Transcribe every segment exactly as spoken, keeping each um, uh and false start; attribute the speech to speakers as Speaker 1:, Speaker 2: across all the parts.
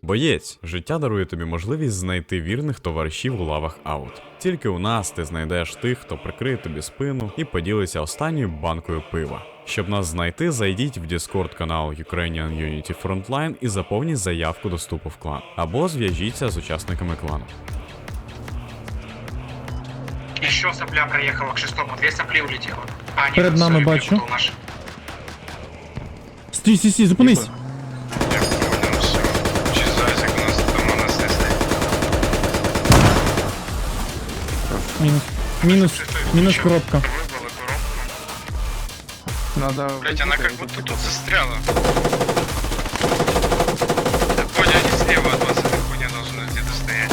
Speaker 1: Боєць, життя дарує тобі можливість знайти вірних товаришів у лавах аут. Тільки у нас ти знайдеш тих, хто прикриє тобі спину і поділиться останньою банкою пива. Щоб нас знайти, зайдіть в Discord канал Ukrainian Unity Frontline і заповніть заявку до вступу в клан. Або зв'яжіться з учасниками клану.
Speaker 2: Еще сопля проехала к шестому, две сопли улетело. А, нет,
Speaker 3: Перед нами
Speaker 2: sorry,
Speaker 3: бачу.
Speaker 2: перепутал наш.
Speaker 3: Стій, стій, стій, зупинись.
Speaker 4: Я понял, все. Чи зайцик у нас там у нас есть.
Speaker 3: Мінус. Мінус. Мінус коробка.
Speaker 4: Выбрала коробку.
Speaker 5: Надо...
Speaker 4: Блять, она как будто тут застряла. Так, Бодя, они слева от вас, эта хуйня должна где-то стоять.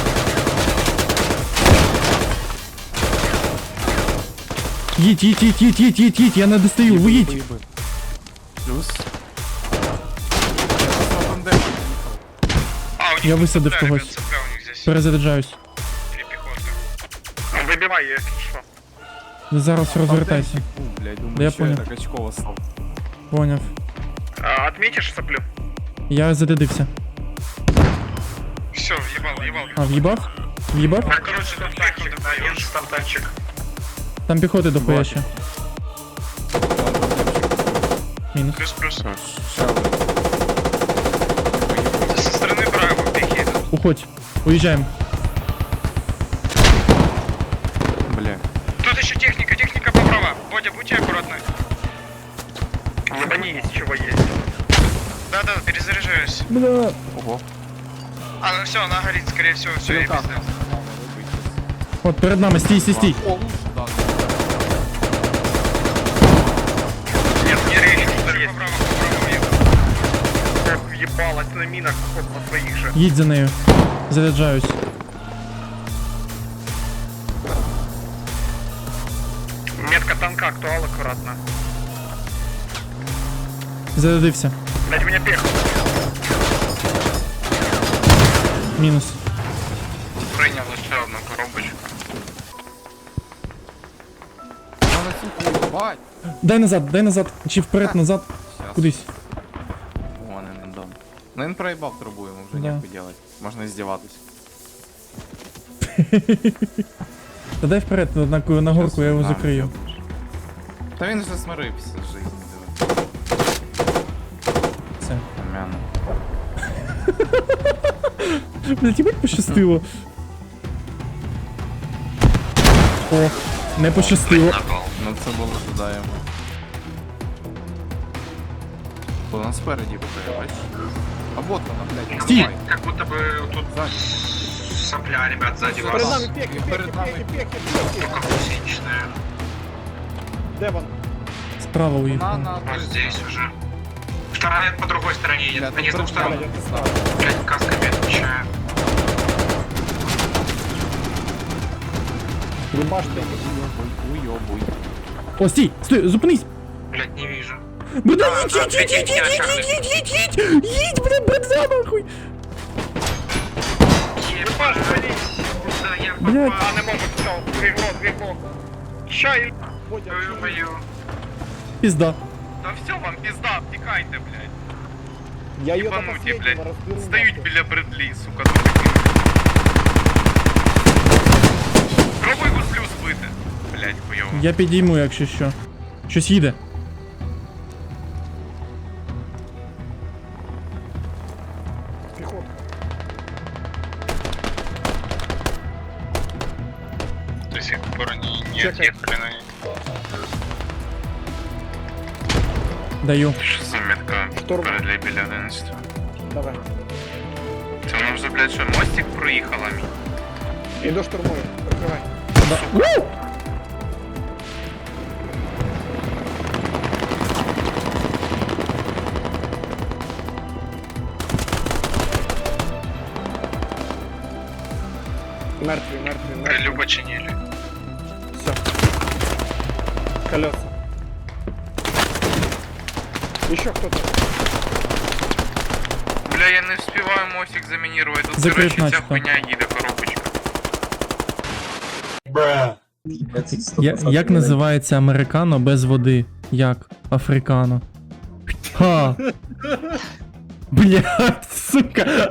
Speaker 3: Їдь, їдь, їдь, їдь, їдь, їдь, їдь, я не достаю, ви їдь.
Speaker 5: Плюс.
Speaker 4: А, у них
Speaker 3: Я
Speaker 4: тут
Speaker 3: высадив
Speaker 4: цепля,
Speaker 3: когось.
Speaker 4: ребят, цепля у них здесь.
Speaker 3: Перезаряджаюсь.
Speaker 4: Или пехота. Выбивай, если что.
Speaker 3: Зараз розвертайся.
Speaker 5: Блять, думаю,
Speaker 3: Да я
Speaker 5: що
Speaker 3: понял.
Speaker 5: так очково став.
Speaker 3: Поняв.
Speaker 4: А, отметишь соплю?
Speaker 3: Я задидився.
Speaker 4: Все, въебал, въебал.
Speaker 3: А, в'їбав? В'їбав?
Speaker 4: Ну, короче, там
Speaker 2: Стартанчик, один стартанчик.
Speaker 3: Там піхоти до хуя ще. Мінус.
Speaker 4: плюс-плюс.
Speaker 5: Ще один.
Speaker 4: Со стороны Браво, пехи идут.
Speaker 3: Уходь. Уїжджаємо.
Speaker 5: Бля.
Speaker 4: Тут еще техника, техника по права. Бодя, будьте аккуратны.
Speaker 2: Ебани есть, чего есть.
Speaker 4: Да-да, перезаряжаюсь.
Speaker 3: Бля.
Speaker 5: Ого.
Speaker 4: А, ну все, она горит, скорее всего, все, я
Speaker 5: Стрелка.
Speaker 4: пиздец.
Speaker 3: От перед нами, стій, стій, стій.
Speaker 5: О, лучше, да.
Speaker 4: Нет, не рейс, по право, по право еду.
Speaker 2: Как ебалась на минах, хоть на своих же.
Speaker 3: Їдь за нею. Заряджаюсь.
Speaker 2: Метка танка, актуал аккуратно.
Speaker 3: Зарядився.
Speaker 2: Дать меня пех.
Speaker 3: Мінус.
Speaker 4: Принял еще одну коробочку.
Speaker 5: Надо цю бать.
Speaker 3: Дай назад, дай назад. Чи вперед, назад.
Speaker 5: Сейчас.
Speaker 3: Кудись.
Speaker 5: Вон він дом. Ну він проїбав трубу, йому вже
Speaker 3: Да.
Speaker 5: нехуй делать. Можна здіватись.
Speaker 3: Та дай вперед, на, на, на горку, я його
Speaker 5: Щас,
Speaker 3: закрию.
Speaker 5: на, Та він вже смирився з жизни, диви.
Speaker 3: Все.
Speaker 5: Помяну.
Speaker 3: Блять, їбать пощастило. О, не пощастило.
Speaker 5: Ну це було додаємо. Бо нас спереді бухає, бачиш? А вот вона, блядь,
Speaker 3: Стій!
Speaker 5: давай.
Speaker 2: Как будто бы тут
Speaker 5: Ззаді.
Speaker 2: сопля, ребят, сзади
Speaker 5: Перед
Speaker 2: вас.
Speaker 5: нами пеки, перед нами пеки.
Speaker 2: Только гусеничная.
Speaker 3: Справа
Speaker 5: На,
Speaker 3: уїхав.
Speaker 5: на,
Speaker 2: Вот здесь уже. Вторая по другой стороне едет.
Speaker 5: Блядь,
Speaker 2: Они с двух сторон.
Speaker 5: справа.
Speaker 2: Блять, касками отвечаю.
Speaker 5: Уйобуй.
Speaker 3: О, стій! Стой, зупинись!
Speaker 2: Блять, не вижу.
Speaker 3: Бля,
Speaker 2: Да,
Speaker 3: їдь,
Speaker 2: да,
Speaker 3: їдь, їдь, їдь,
Speaker 2: я
Speaker 3: їдь,
Speaker 2: шаг
Speaker 3: їдь, їдь, їдь, їдь! Їдь, бля, бенза нахуй!
Speaker 2: Ебать, куда я
Speaker 3: Блядь.
Speaker 2: попал? А, не могу, все, двигло, двигло. Чай, мою.
Speaker 3: Пізда.
Speaker 4: Да все, вам пизда, обтекайте, блядь.
Speaker 6: Я ее до
Speaker 4: Ебануті,
Speaker 6: последнего
Speaker 4: блядь.
Speaker 6: разберу.
Speaker 4: Стоють
Speaker 6: нахуй.
Speaker 4: біля Бредлі, сука, тут такі. Пробуй гуслю збити. Блядь, хуйово.
Speaker 3: Я підійму, якщо що. Щось їде.
Speaker 6: Пехота.
Speaker 4: До сих пор не, не
Speaker 6: Чекай.
Speaker 4: отъехали на них.
Speaker 3: Даю.
Speaker 4: Що за метка?
Speaker 6: Шторм.
Speaker 4: Бредлі біля одинадцятого.
Speaker 6: Давай.
Speaker 4: Це воно вже, блядь, що мостик проїхала мій?
Speaker 6: Иду штурмую. Прикрывай.
Speaker 3: Да. У!
Speaker 6: Мертвый, мертвый, мертвый.
Speaker 4: Прилюбо чинили.
Speaker 6: Все. Колеса. Еще кто-то.
Speaker 4: Бля, я не вспіваю мостик замінірувати. Тут,
Speaker 3: Закрит
Speaker 4: короче, ця
Speaker 3: начисто.
Speaker 4: хуйня їде, коробочка.
Speaker 3: Я, як називається американо без води? Як? Африкано. Ха! Блядь, сука.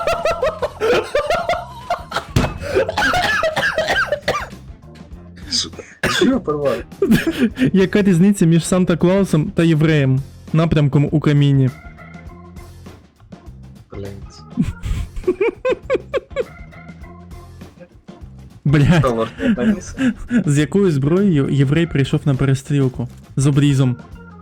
Speaker 7: Чего порвал?
Speaker 3: Яка різниця між Санта-Клаусом та євреєм? Напрямком у каміні.
Speaker 7: Блять.
Speaker 3: Блядь,
Speaker 7: Доллар не повис.
Speaker 3: з якою зброєю єврей прийшов на перестрілку? З обрізом.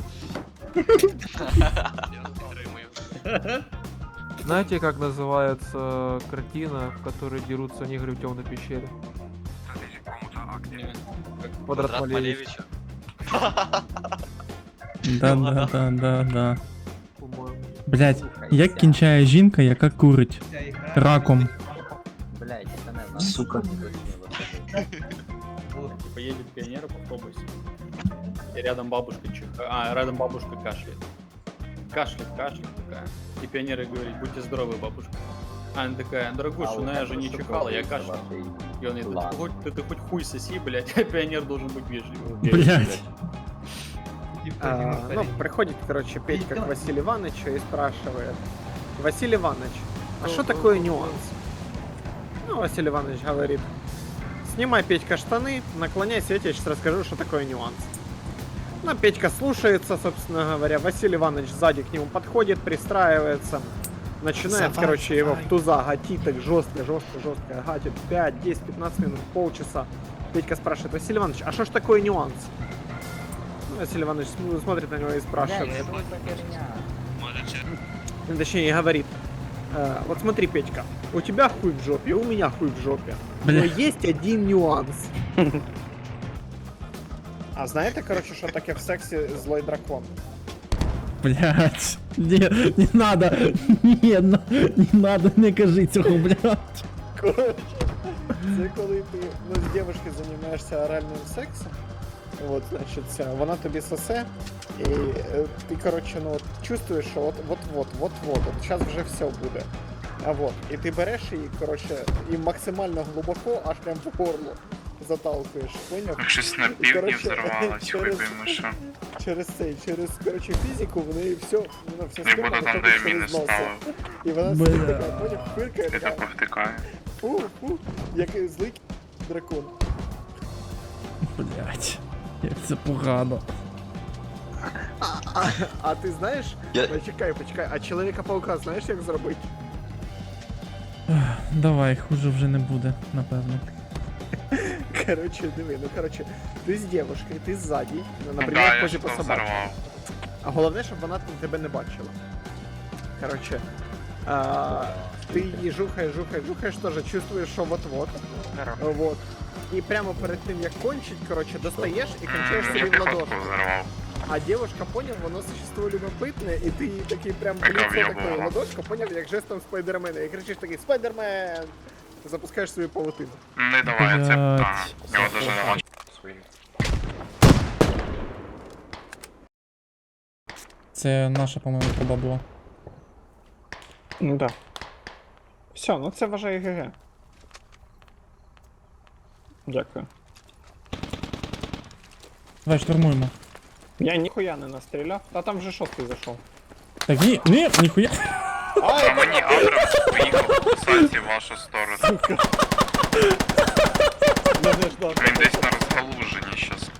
Speaker 8: Знаете, как называется картина, в которой дерутся негры в темной пещере? Квадрат Малевича.
Speaker 3: Да, да, да, да, да.
Speaker 8: По-моему.
Speaker 3: Блядь, як кінчає жінка, яка курить? Раком.
Speaker 7: Сука.
Speaker 9: Типа едет пионер в автобусе, и рядом бабушка чихает, а, рядом бабушка кашляет. Кашляет, кашляет такая. И пионер ей говорит, будьте здоровы, бабушка. А она такая, дорогуша, ну я же не чихала, я кашляю. И он ей, да ты, хоть, ты, ты хоть хуй соси, блядь, а пионер должен быть вежливым.
Speaker 3: Блядь.
Speaker 6: А, ну, приходит, короче, Петька к Василию Ивановичу и спрашивает: Василий Иванович, а что такое нюанс? Ну, Василий Иванович говорит: снимай, Петька, штаны, наклоняйся, я тебе сейчас расскажу, что такое нюанс. Ну, Петька слушается, собственно говоря, Василий Иванович сзади к нему подходит, пристраивается, начинает, короче, его в туза гатить так жестко, жестко, жестко, гатит пять, десять, пятнадцать минут, полчаса. Петька спрашивает: Василий Иванович, а что ж такое нюанс? Ну, Василий Иванович см- смотрит на него и спрашивает. Ну, точнее, говорит: «Э, вот смотри, Петька, у тебя хуй в жопе, у меня хуй в жопе. Но
Speaker 3: Бля.
Speaker 6: есть один нюанс. А знаєте, короче, що таке в сексі злой дракон?
Speaker 3: Блядь. Не, не надо. Не, на- не надо, не кажи цього, блядь.
Speaker 6: Короче, це коли ти ну, з дівчинкою займаєшся оральним сексом, от, значить, ця, вона тобі сосе, і е, ти, короче, ну, от, чувствуєш, що от, от, от, от, от, от, зараз вже все буде. А вот, і ти береш її, короче, і максимально глибоко, аж прям в горло заталкуєш, поняв?
Speaker 4: Щось на півдні
Speaker 6: Короче,
Speaker 4: взорвалось,
Speaker 6: через-
Speaker 4: виб'ємо, що.
Speaker 6: Через цей, через, короче, фізику, в неї все, вона вся
Speaker 4: Не
Speaker 6: схема
Speaker 4: буду там,
Speaker 6: виходить
Speaker 4: де я
Speaker 6: через
Speaker 4: міни
Speaker 6: носа.
Speaker 4: ставив.
Speaker 6: І вона
Speaker 3: Бля.
Speaker 6: собі така, поняв, фиркає,
Speaker 4: І
Speaker 6: така,
Speaker 4: то повтикає.
Speaker 6: фу, фу, як злий дракон.
Speaker 3: Блядь. Як це погано.
Speaker 6: А, а ти знаєш, почекай, почекай, а Чоловіка-паука знаєш, як зробити?
Speaker 3: Давай, хуже вже не буде, напевно.
Speaker 6: Короче, диви, ну короче, ти з дівчинкою, ти ззаді, ну,
Speaker 4: Да,
Speaker 6: наприклад,
Speaker 4: я
Speaker 6: позі
Speaker 4: що
Speaker 6: по собаці.
Speaker 4: взорвав.
Speaker 6: А головне, щоб вона там тебе не бачила. Короче, а, ти її жухаєш, жухаєш, жухаєш, теж чувствуєш, що вот-вот. Вот. І прямо перед тим, як кончить, короче, достаєш і кончаєш
Speaker 4: М,
Speaker 6: собі
Speaker 4: Я
Speaker 6: в
Speaker 4: піхотку
Speaker 6: ладошку.
Speaker 4: взорвав.
Speaker 6: А девушка, понял, воно существо любопитне, і ти їй такий прям в
Speaker 4: Яка
Speaker 6: лицо такою
Speaker 4: в'єбувала.
Speaker 6: ладошку, поняв, як жестом спайдермена, і кричиш такий: Спайдермен! Запускаєш свою павутину.
Speaker 4: Не давай, це...
Speaker 3: Блядь.
Speaker 4: Ага, його даже не бачу.
Speaker 3: Це наша, по-моєму, труба була.
Speaker 6: Ну да. Все, ну це вважає ГГ. Дякую.
Speaker 3: Давай штурмуємо.
Speaker 6: Я ніхуя не настріляв, та там вже шостий зайшов.
Speaker 3: Так ні, ні, ніхуя.
Speaker 4: А мені Абрамс поїхав кусати в вашу сторону.
Speaker 6: Мене ждав.
Speaker 4: Він десь на розгалуженні щас.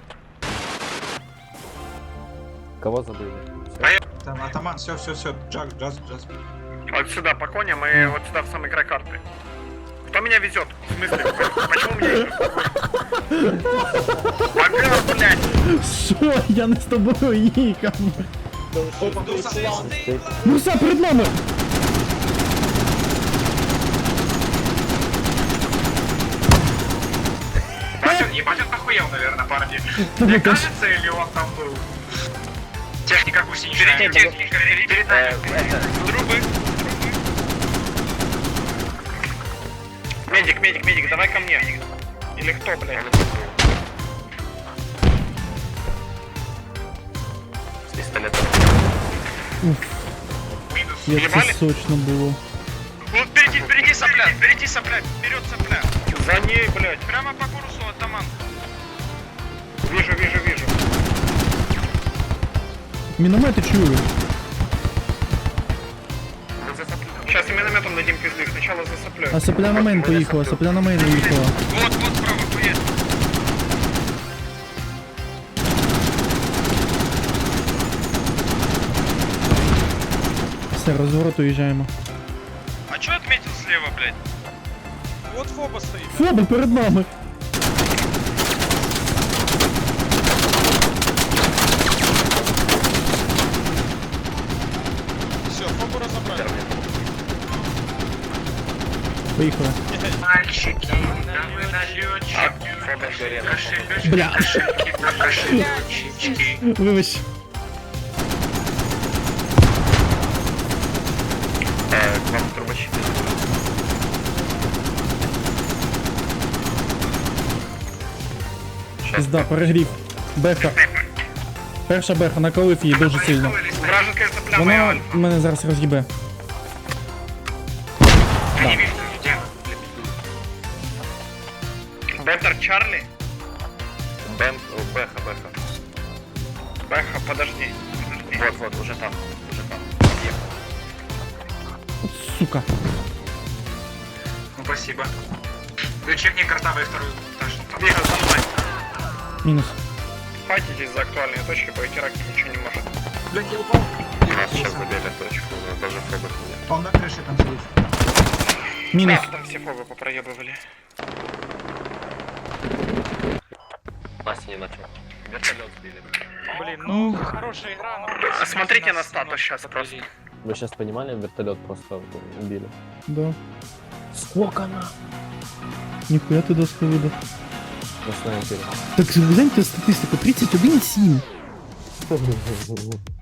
Speaker 8: Кого забыли?
Speaker 7: Там атаман, все, все, все, джаз, джаз, джаз.
Speaker 2: Вот сюда по коням и вот сюда в самый край карты. Кто меня везет? В смысле? Почему мне? Ага, блядь!
Speaker 3: Що? Я не з тобою їхав. Ну все, перед нами!
Speaker 4: Ебать, он охуел, наверное, парни. Мне кажется, или он там был? Техника гусеничная. Впереди техника, перед нами. Трубы.
Speaker 2: Медик, медик, медик, давай ко мне. Или кто, блядь?
Speaker 4: С пистолета.
Speaker 2: Минус.
Speaker 3: Як це
Speaker 2: Ебали?
Speaker 3: сочно було.
Speaker 2: Вот впереди, впереди сопля, впереди сопля, вперед сопля. За ней, блядь. Прямо по курсу, атаман. Вижу, вижу, вижу.
Speaker 3: Міномети чую.
Speaker 2: саплетом дадим пизды, сначала за соплей.
Speaker 3: А сопля на мейн поїхала, сопля на мейн уїхала.
Speaker 2: Вот, вот справа, поедь.
Speaker 3: Все, розворот уїжджаємо.
Speaker 2: А чё отметил слева, блядь? Вот Фоба стоит.
Speaker 3: Фоба перед нами!
Speaker 2: Все, Фобу разобрали.
Speaker 3: Поїхали.
Speaker 4: Мальчики, да вы налетчики. Кошелечки,
Speaker 3: Бля.
Speaker 4: кошельки, кошелечки.
Speaker 3: Вибач.
Speaker 2: К вам трубочки.
Speaker 3: Пізда, перегрів. Беха. Перша беха, наколив її дуже сильно.
Speaker 2: Вражеская сопля
Speaker 3: Вона
Speaker 2: моя альфа.
Speaker 3: мене зараз роз'їбе.
Speaker 4: Они видят, где?
Speaker 2: Беттер Чарли. Бен, Беха, Беха. Беха, подожди. Вот, вот, уже там, уже там.
Speaker 3: От сука.
Speaker 4: Ну, спасибо. Ты чекни картавый вторую этаж.
Speaker 2: Бига за мной.
Speaker 3: Мінус.
Speaker 2: Файтитесь за актуальные точки, по Итираке ничего не может.
Speaker 7: Блядь, я упал.
Speaker 2: Нас сейчас забили точку, даже Фобы нет.
Speaker 7: Он на крыше там сидит.
Speaker 3: Мінус.
Speaker 2: Да, там все Фобы попроебывали.
Speaker 10: Настя не начал. Вертолет сбили.
Speaker 2: Блин, ну хорошая игра, но... Смотрите на статус сейчас просто.
Speaker 10: Вы сейчас понимали, вертолет просто убили.
Speaker 3: Да.
Speaker 10: Сколько на?
Speaker 3: Ніхуя ти доску видав.
Speaker 10: На снайпере.
Speaker 3: Так же гляньте статистику, тридцять один сім.